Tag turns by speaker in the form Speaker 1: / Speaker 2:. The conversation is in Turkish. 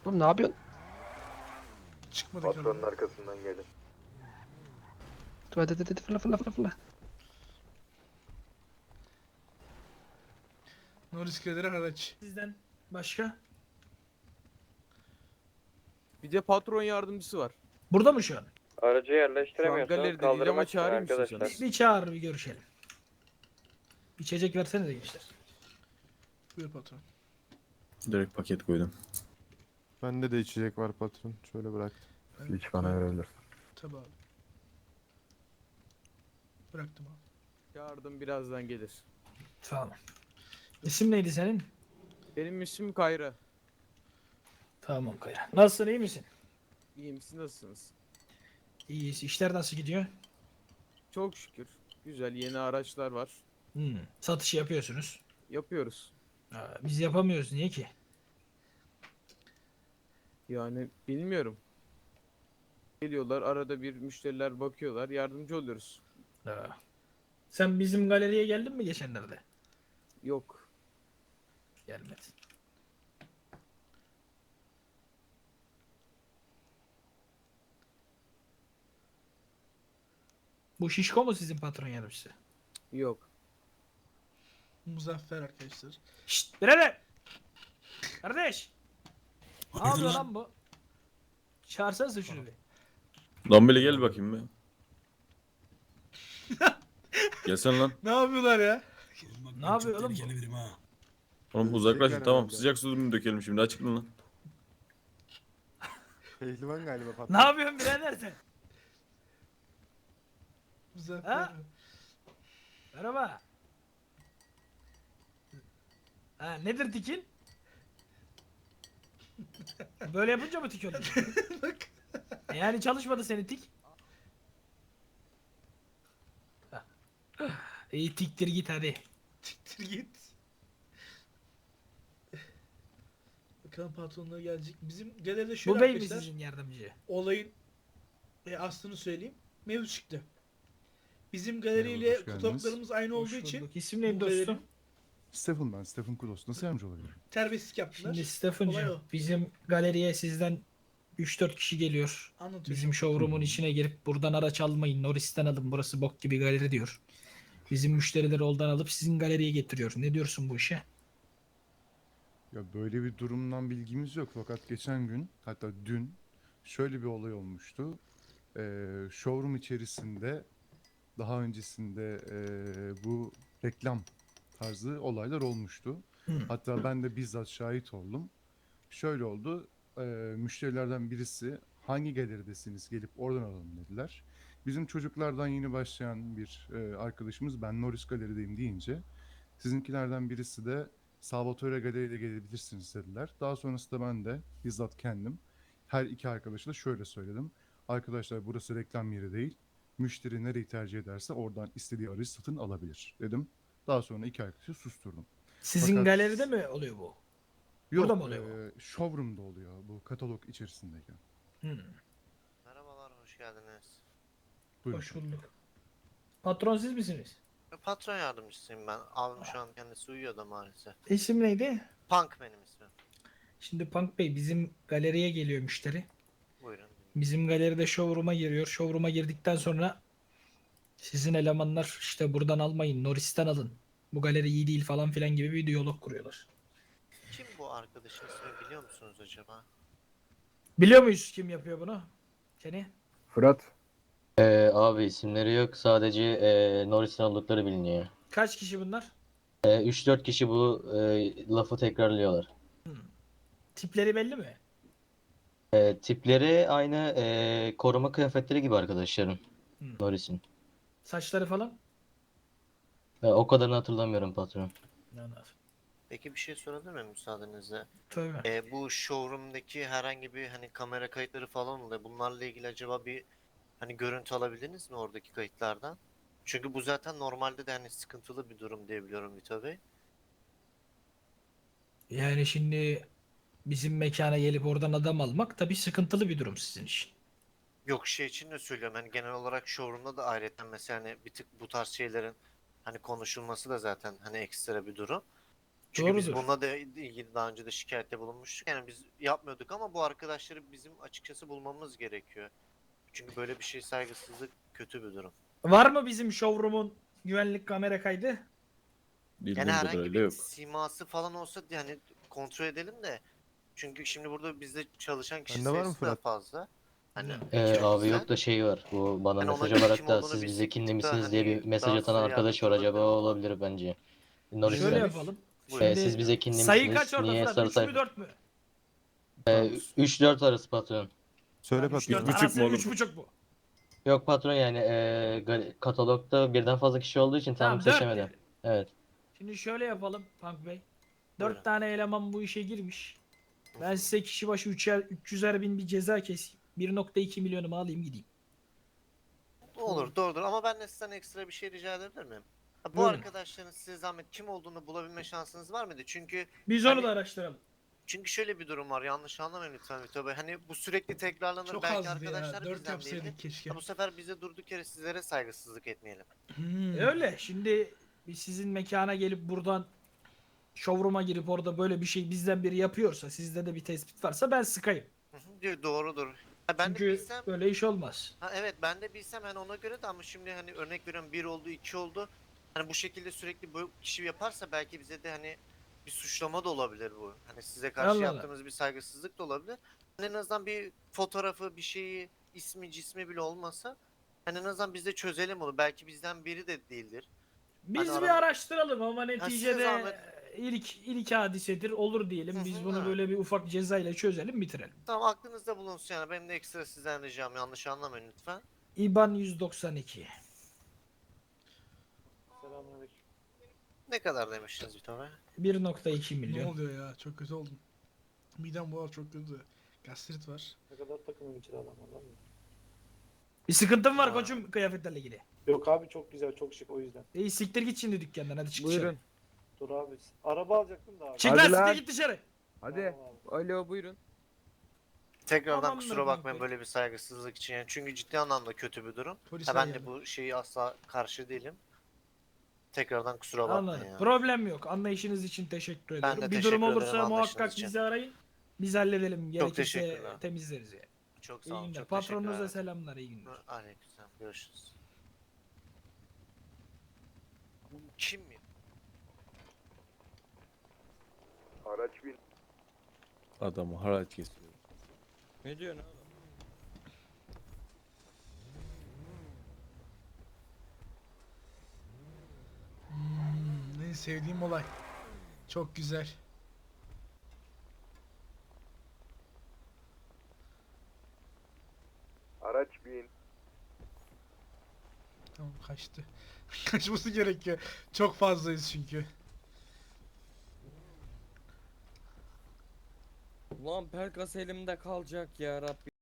Speaker 1: Oğlum ne yapıyorsun?
Speaker 2: Çıkmadık
Speaker 3: Patronun
Speaker 2: ama.
Speaker 3: arkasından gelin.
Speaker 1: Dur hadi fırla fırla fırla fırla.
Speaker 2: Norris Galeri haraç.
Speaker 4: Sizden başka?
Speaker 5: Bir de patron yardımcısı var.
Speaker 4: Burada mı şu an?
Speaker 3: Aracı
Speaker 5: Şu an
Speaker 3: yerleştiremiyorsunuz.
Speaker 5: galeride değil ama
Speaker 3: Kaldırmak için
Speaker 5: çağırayım
Speaker 3: arkadaşlar.
Speaker 5: istiyorsanız.
Speaker 4: Bir çağır bir görüşelim. İçecek versene de gençler.
Speaker 2: Buyur patron.
Speaker 6: Direkt paket koydum.
Speaker 7: Bende de içecek var patron. Şöyle bırak.
Speaker 2: Ben
Speaker 3: Hiç bana verebilir.
Speaker 2: tabii abi. Bıraktım abi.
Speaker 5: Çağırdım birazdan gelir.
Speaker 4: Tamam. İsim neydi senin?
Speaker 5: Benim ismim Kayra.
Speaker 4: Tamam Kaya. Nasılsın iyi misin?
Speaker 5: İyiyim siz nasılsınız?
Speaker 4: İyiyiz. İşler nasıl gidiyor?
Speaker 5: Çok şükür. Güzel yeni araçlar var.
Speaker 4: Satış yapıyorsunuz.
Speaker 5: Yapıyoruz.
Speaker 4: Biz yapamıyoruz. Niye ki?
Speaker 5: Yani bilmiyorum. Geliyorlar arada bir müşteriler bakıyorlar yardımcı oluyoruz.
Speaker 4: Sen bizim galeriye geldin mi geçenlerde?
Speaker 5: Yok.
Speaker 4: Gelmedi. Bu Şişko mu sizin patron yardımcısı?
Speaker 5: Yok.
Speaker 2: Muzaffer arkadaşlar.
Speaker 4: Şşt birader! Kardeş! Ne yapıyor lan bu? Çağırsana şunu bir.
Speaker 6: Dombili gel bakayım be. Gelsene lan.
Speaker 2: Ne yapıyorlar ya?
Speaker 4: Ne yapıyor oğlum bu?
Speaker 6: Oğlum uzaklaşın
Speaker 7: Tekrar
Speaker 6: tamam.
Speaker 7: herhalde.
Speaker 6: Sıcak su mu dökelim şimdi açıklan lan.
Speaker 7: Pehlivan galiba patron.
Speaker 4: Ne yapıyorsun birader sen?
Speaker 2: Muzaffer.
Speaker 4: Ha? Merhaba. Ha, nedir tikin? Böyle yapınca mı tik oluyor?
Speaker 2: Bak.
Speaker 4: Yani çalışmadı senin tik. Ha. İyi tiktir git hadi.
Speaker 2: Siktir git. Bakalım patronlar gelecek. Bizim galeride şöyle
Speaker 4: Bu bey mi
Speaker 2: arkadaşlar.
Speaker 4: sizin yardımcı?
Speaker 2: Olayın aslını söyleyeyim. Mevzu çıktı. Bizim galeriyle
Speaker 7: Merhaba, hoş geldiniz.
Speaker 2: fotoğraflarımız aynı
Speaker 4: Hoş
Speaker 2: olduğu için
Speaker 4: bulduk. İsim neydi
Speaker 2: bu
Speaker 4: dostum?
Speaker 2: galerinin
Speaker 7: Stephen ben. Stephen Kudos. Nasıl yardımcı olabilirim?
Speaker 2: terbiyesizlik yaptılar.
Speaker 4: Şimdi
Speaker 2: Olay
Speaker 4: Stephen'cığım
Speaker 2: o.
Speaker 4: bizim galeriye sizden 3-4 kişi geliyor.
Speaker 2: Anlatıyorum.
Speaker 4: Bizim showroom'un içine girip buradan araç almayın. Norris'ten alın. Burası bok gibi galeri diyor. Bizim müşterileri oradan alıp sizin galeriye getiriyor. Ne diyorsun bu işe?
Speaker 7: Ya böyle bir durumdan bilgimiz yok. Fakat geçen gün hatta dün şöyle bir olay olmuştu. Showroom içerisinde daha öncesinde bu reklam tarzı olaylar olmuştu. Hatta ben de bizzat şahit oldum. Şöyle oldu. Müşterilerden birisi hangi galeridesiniz gelip oradan alalım dediler. Bizim çocuklardan yeni başlayan bir arkadaşımız ben Norris Galeri'deyim deyince sizinkilerden birisi de Salvatore Galeri'ye gelebilirsiniz dediler. Daha sonrasında ben de bizzat kendim her iki arkadaşa da şöyle söyledim. Arkadaşlar burası reklam yeri değil. Müşteri nereyi tercih ederse oradan istediği aracı satın alabilir dedim. Daha sonra iki arkadaşı susturdum.
Speaker 4: Sizin
Speaker 7: Fakat-
Speaker 4: galeride mi oluyor bu?
Speaker 7: Yok,
Speaker 4: Burada mı oluyor
Speaker 7: showroom'da oluyor bu katalog içerisindeyken.
Speaker 8: Merhabalar, hoş geldiniz.
Speaker 7: Buyurun.
Speaker 4: Hoş bulduk. Patron siz misiniz?
Speaker 8: Patron yardımcısıyım ben. Abim şu an kendisi uyuyor da maalesef.
Speaker 4: İsim neydi?
Speaker 8: Punk benim ismim.
Speaker 4: Şimdi Punk Bey bizim galeriye geliyor müşteri.
Speaker 8: Buyurun.
Speaker 4: Bizim galeride showroom'a giriyor. Showroom'a girdikten sonra sizin elemanlar işte buradan almayın, Norris'ten alın. Bu galeri iyi değil falan filan gibi bir diyalog kuruyorlar.
Speaker 8: Kim bu arkadaşın ismini biliyor musunuz acaba?
Speaker 4: Biliyor muyuz kim yapıyor bunu? Kenny?
Speaker 3: Fırat.
Speaker 9: Abi isimleri yok. Sadece Norris'ten oldukları biliniyor.
Speaker 4: Kaç kişi bunlar?
Speaker 9: 3-4 kişi bu lafı tekrarlıyorlar.
Speaker 4: Tipleri belli mi?
Speaker 9: Tipleri aynı koruma kıyafetleri gibi arkadaşlarım.
Speaker 4: Hmm.
Speaker 9: Norris'in.
Speaker 4: Saçları falan?
Speaker 9: O kadarını hatırlamıyorum patron.
Speaker 4: Anladım.
Speaker 8: Peki bir şey sorabilir miyim müsaadenizle?
Speaker 4: Tabii.
Speaker 8: Bu showroom'daki herhangi bir hani kamera kayıtları falan oluyor. Bunlarla ilgili acaba bir hani görüntü alabildiniz mi oradaki kayıtlardan? Çünkü bu zaten normalde de hani sıkıntılı bir durum diyebiliyorum Vito Bey.
Speaker 4: Yani şimdi bizim mekana gelip oradan adam almak tabii sıkıntılı bir durum sizin için.
Speaker 8: Yok şey için de söylüyorum hani genel olarak showroom'da da ayrıca mesela hani bir tık bu tarz şeylerin hani konuşulması da zaten hani ekstra bir durum. Çünkü biz
Speaker 4: Doğrudur.
Speaker 8: bununla da ilgili daha önce de şikayette bulunmuştuk. Yani biz yapmıyorduk ama bu arkadaşları bizim açıkçası bulmamız gerekiyor. Çünkü böyle bir şey saygısızlık kötü bir durum.
Speaker 4: Var mı bizim showroom'un güvenlik kamera kaydı?
Speaker 6: Bildiğim
Speaker 8: Yani herhangi
Speaker 6: kadarıyla
Speaker 8: bir
Speaker 6: yok.
Speaker 8: siması falan olsa yani kontrol edelim de. Çünkü şimdi burada bizde çalışan kişi
Speaker 5: Bende var mı
Speaker 8: sayısı da
Speaker 5: Fırat?
Speaker 8: fazla. Hani
Speaker 4: Ne?
Speaker 9: Abi
Speaker 8: ekibimizden.
Speaker 9: yok da şey var. Bu bana
Speaker 8: Hani ona
Speaker 9: mesaj
Speaker 8: göre
Speaker 9: olarak
Speaker 8: kim
Speaker 9: da
Speaker 8: olduğunu
Speaker 9: siz
Speaker 8: bilsek
Speaker 9: bize
Speaker 8: bir tık
Speaker 9: kinli
Speaker 8: daha
Speaker 9: misiniz diye
Speaker 8: hani
Speaker 9: bir mesaj
Speaker 8: daha
Speaker 9: atan
Speaker 8: size
Speaker 9: arkadaş var.
Speaker 8: yardımcı
Speaker 9: Acaba o
Speaker 8: olabilirim.
Speaker 9: olabilir bence.
Speaker 4: Şöyle
Speaker 9: Norris'ten.
Speaker 4: yapalım.
Speaker 8: Buyurun.
Speaker 9: Siz bize kinli
Speaker 4: Sayı
Speaker 9: misiniz?
Speaker 4: kaç orada
Speaker 9: Niye
Speaker 4: Fırat?
Speaker 9: sarı
Speaker 4: 3 mü
Speaker 9: sayfa?
Speaker 4: 4 mü?
Speaker 9: 3-4 arası patron.
Speaker 5: Söyle
Speaker 4: Üç,
Speaker 5: patron.
Speaker 4: dört
Speaker 6: 3,5
Speaker 4: arası
Speaker 6: mu oğlum?
Speaker 4: 3,5 bu.
Speaker 9: Yok patron yani katalogda birden fazla kişi olduğu için tam
Speaker 4: Tamam 4
Speaker 9: seçemedim.
Speaker 4: diyelim.
Speaker 9: Evet.
Speaker 4: Şimdi şöyle yapalım Punk Bey. 4
Speaker 8: Buyurun.
Speaker 4: tane eleman bu işe girmiş. Ben size kişi başı 300'er bin bir ceza keseyim. 1,2 milyonumu alayım gideyim.
Speaker 8: Olur doğrudur ama ben de sizden ekstra bir şey rica edebilir miyim? Ha, bu
Speaker 4: Buyurun.
Speaker 8: arkadaşların size zahmet kim olduğunu bulabilme şansınız var mıydı?
Speaker 4: Biz onu
Speaker 8: Hani-
Speaker 4: da araştıralım.
Speaker 8: Çünkü şöyle bir durum var, yanlış anlamayın lütfen Vito Bey. Hani bu sürekli tekrarlanır,
Speaker 2: Çok
Speaker 8: belki
Speaker 2: azdı
Speaker 8: arkadaşlar
Speaker 2: ya. 4
Speaker 8: bizden değildir.
Speaker 2: yapsaydık keşke.
Speaker 8: Ha, bu sefer bize durduk yere sizlere saygısızlık etmeyelim.
Speaker 4: Öyle. Şimdi biz sizin mekana gelip buradan showroom'a girip orada böyle bir şey bizden biri yapıyorsa, sizde de bir tespit varsa ben sıkayım.
Speaker 8: Hı hı, diyor, doğrudur. Ha, ben de
Speaker 4: Çünkü
Speaker 8: bilsem,
Speaker 4: böyle iş olmaz.
Speaker 8: ha, evet ben de bilsem hani ona göre de, ama şimdi hani örnek veriyorum 1 oldu 2 oldu. Hani bu şekilde sürekli bu kişi yaparsa belki bize de hani bir suçlama da olabilir bu. Hani size karşı
Speaker 4: Allah Allah.
Speaker 8: yaptığımız bir saygısızlık da olabilir. Hani en azından bir fotoğrafı, bir şeyi, ismi cismi bile olmasa hani en azından biz de çözelim onu. Belki bizden biri de değildir.
Speaker 4: Biz
Speaker 8: Hani
Speaker 4: bir
Speaker 8: arada-
Speaker 4: araştıralım ama
Speaker 8: size
Speaker 4: neticede
Speaker 8: zahmet.
Speaker 4: ilk hadisedir olur diyelim.
Speaker 8: Hı
Speaker 4: Biz
Speaker 8: hı,
Speaker 4: bunu
Speaker 8: ha.
Speaker 4: böyle bir ufak cezayla çözelim bitirelim.
Speaker 8: Tamam, aklınızda bulunsun yani. Benim de ekstra sizden ricam, yanlış anlamayın lütfen.
Speaker 4: IBAN 192.
Speaker 8: Ne kadar demiştiniz Vito Bey?
Speaker 4: 1,2
Speaker 2: Ne
Speaker 4: milyon.
Speaker 2: oluyor ya? Çok kötü oldum. Midem bu çok kötü. Gastrit var.
Speaker 3: Ne kadar takımın içine adam var lan?
Speaker 4: Bir sıkıntın var
Speaker 8: Ha.
Speaker 4: koçum kıyafetlerle ilgili.
Speaker 3: Yok abi çok güzel çok şık o yüzden.
Speaker 4: İyi siktir git şimdi dükkandan hadi çık dışarı.
Speaker 5: Buyurun.
Speaker 3: Dur abi. Araba alacaktım da abi.
Speaker 4: Çık
Speaker 5: Hadi
Speaker 4: lan
Speaker 5: lan.
Speaker 4: siktir git dışarı.
Speaker 5: Hadi.
Speaker 3: Tamam abi.
Speaker 5: Alo buyurun.
Speaker 8: Tekrardan
Speaker 4: Tamamdır
Speaker 8: kusura bakmayın
Speaker 4: kanka.
Speaker 8: böyle bir saygısızlık için yani, çünkü ciddi anlamda kötü bir durum.
Speaker 2: Polis
Speaker 8: Ha, ben
Speaker 2: geldi.
Speaker 8: de bu şeyi asla karşı değilim. Tekrardan kusura bakmayın
Speaker 4: Anladım.
Speaker 8: ya.
Speaker 4: Problem yok. Anlayışınız için teşekkür ediyorum.
Speaker 8: de
Speaker 4: Bir
Speaker 8: teşekkür
Speaker 4: durum
Speaker 8: ederim
Speaker 4: olursa
Speaker 8: anlayışınız
Speaker 4: muhakkak
Speaker 8: için.
Speaker 4: bizi arayın. Biz halledelim. Gerekirse
Speaker 8: teşekkürler.
Speaker 4: temizleriz yani.
Speaker 8: Çok sağ
Speaker 4: İyi
Speaker 8: olun.
Speaker 4: günler.
Speaker 8: Çok
Speaker 4: Patronunuza
Speaker 8: teşekkürler.
Speaker 4: selamlar. İyi günler.
Speaker 8: Aleykümselam. Görüşürüz. Kim mi?
Speaker 6: Adamı haraç kesiyor.
Speaker 5: Ne diyorsun oğlum?
Speaker 2: En sevdiğim olay. Çok güzel.
Speaker 7: Araç bin.
Speaker 2: Tamam kaçtı. Kaçması gerekiyor. Çok fazlayız çünkü.
Speaker 5: Ulan Pelkas elimde kalacak ya Rabbi.